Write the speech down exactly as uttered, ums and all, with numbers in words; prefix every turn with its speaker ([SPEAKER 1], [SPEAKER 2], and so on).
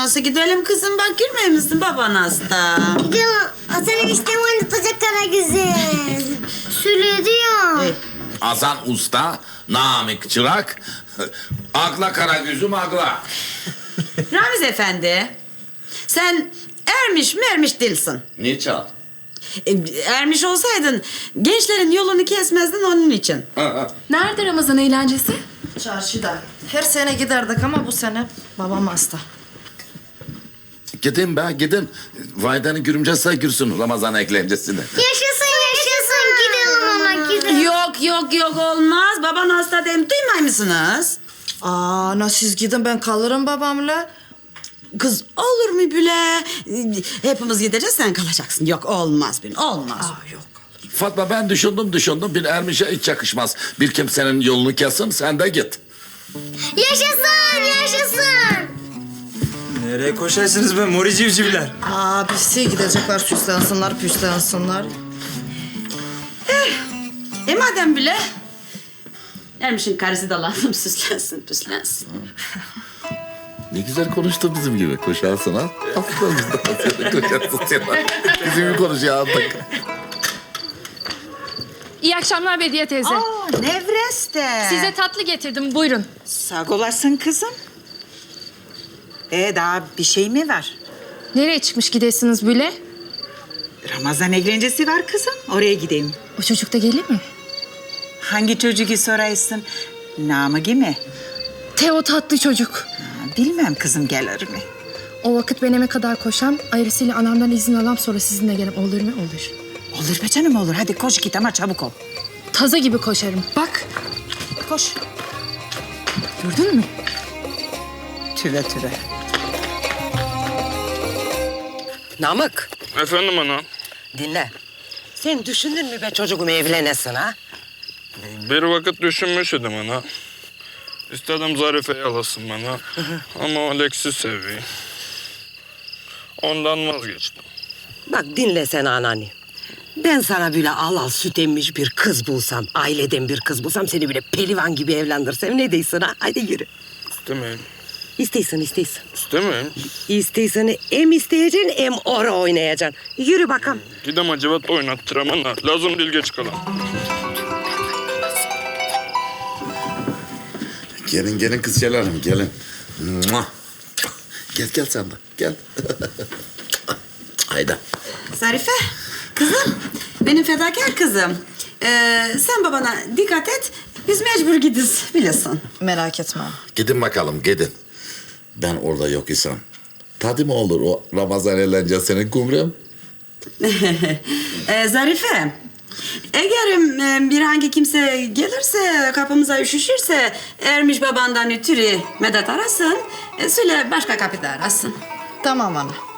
[SPEAKER 1] nasıl gidelim kızım? Bak girmiyor musun baban hasta?
[SPEAKER 2] Gidelim. Hasan eniştem oynatacak Karagöz'ü. Söyledi ya.
[SPEAKER 1] Hey.
[SPEAKER 3] Hasan Usta, Namık Çırak, akla Karagöz'üm akla.
[SPEAKER 1] Ramiz Efendi, sen ermiş mermiş değilsin.
[SPEAKER 3] Ne çal?
[SPEAKER 1] E, ermiş olsaydın gençlerin yolunu kesmezdin onun için.
[SPEAKER 4] Nerede Ramazan eğlencesi?
[SPEAKER 5] Çarşıda. Her sene giderdik ama bu sene babam hasta.
[SPEAKER 3] Gidin be gidin. Vaydanın görümcesi gürsün Ramazan eklencesini.
[SPEAKER 2] Yaşasın yaşasın. Gidelim ama gidelim.
[SPEAKER 1] Yok yok yok olmaz. Baban hasta dem duymay mısınız?
[SPEAKER 5] Aa, na siz gidin ben kalırım babamla.
[SPEAKER 1] Kız olur mu bile? Hepimiz gideceğiz sen kalacaksın. Yok olmaz bir olmaz.
[SPEAKER 5] Aa, yok.
[SPEAKER 3] Fatma ben düşündüm düşündüm bir ermişe hiç yakışmaz. Bir kimsenin yolunu kesin sen de git.
[SPEAKER 2] Yaşasın yaşasın.
[SPEAKER 6] Nereye koşarsınız be mori civcivler?
[SPEAKER 5] Aa, birisi gidecekler süslensinler püslensinler.
[SPEAKER 1] E madem bile Ermiş'in karısı da lazım süslensin püslensin.
[SPEAKER 3] Ne güzel konuştu bizim gibi. Koşarsın ha. Aferin biz de koşarsın sen. Bizim gibi konuşuyor artık.
[SPEAKER 4] İyi akşamlar Bediye teyze.
[SPEAKER 7] Aa, Nevreste.
[SPEAKER 4] Size tatlı getirdim, buyurun.
[SPEAKER 7] Sağ olasın kızım. Ee, daha bir şey mi var?
[SPEAKER 4] Nereye çıkmış gidesiniz böyle?
[SPEAKER 7] Ramazan eğlencesi var kızım. Oraya gideyim.
[SPEAKER 4] O çocuk da gelir mi?
[SPEAKER 7] Hangi çocuğu sorarsın? Namık mi?
[SPEAKER 4] Teo tatlı çocuk.
[SPEAKER 7] Ha, bilmem kızım gelir mi?
[SPEAKER 4] O vakit ben eve kadar koşam, ayrısıyla anamdan izin alam sonra sizinle gelip olur mu? Olur.
[SPEAKER 7] Olur be canım olur. Hadi koş git ama çabuk ol.
[SPEAKER 4] Taza gibi koşarım. Bak,
[SPEAKER 7] Koş.
[SPEAKER 4] gördün mü?
[SPEAKER 7] Tüve tüve.
[SPEAKER 8] Namık,
[SPEAKER 9] Efendim ana.
[SPEAKER 8] dinle. Sen düşündün mü be çocuğum evlenesin ha?
[SPEAKER 9] Bir vakit düşünmüş idim ana. İstedim Zarife'yi alasın bana. Ama Alex'i seviyor. Ondan vazgeçtim.
[SPEAKER 8] Bak dinle sen anneanne. Ben sana böyle al al süt emmiş bir kız bulsam, aileden bir kız bulsam seni böyle pelivan gibi evlendirsem ne değilsin ha? Hadi yürü.
[SPEAKER 9] İstemeyim.
[SPEAKER 8] İsteysin, isteysin.
[SPEAKER 9] İstemeyim.
[SPEAKER 8] İsteysin hem isteyeceksin hem ora oynayacaksın. Yürü bakalım.
[SPEAKER 9] Gidem acıvat oynattıram ana. Lazım değil geç kalan.
[SPEAKER 3] Gelin gelin kızcağlarım gelin. Mua. Gel gel sen de gel. Hayda.
[SPEAKER 1] Zarife, kızım, benim fedakar kızım. Ee, sen babana dikkat et, biz mecbur gidiz, biliyorsun.
[SPEAKER 5] Merak etme.
[SPEAKER 3] Gidin bakalım gidin. Ben orada yok isem. Tadı mı olur o Ramazan eğlencesinin kumrem?
[SPEAKER 1] ee, Zarife, eğer e, bir hangi kimse gelirse, kapımıza üşüşürse... ...Ermiş babandan ötürü medet arasın... E, ...söyle başka kapıda arasın.
[SPEAKER 5] Tamam ana.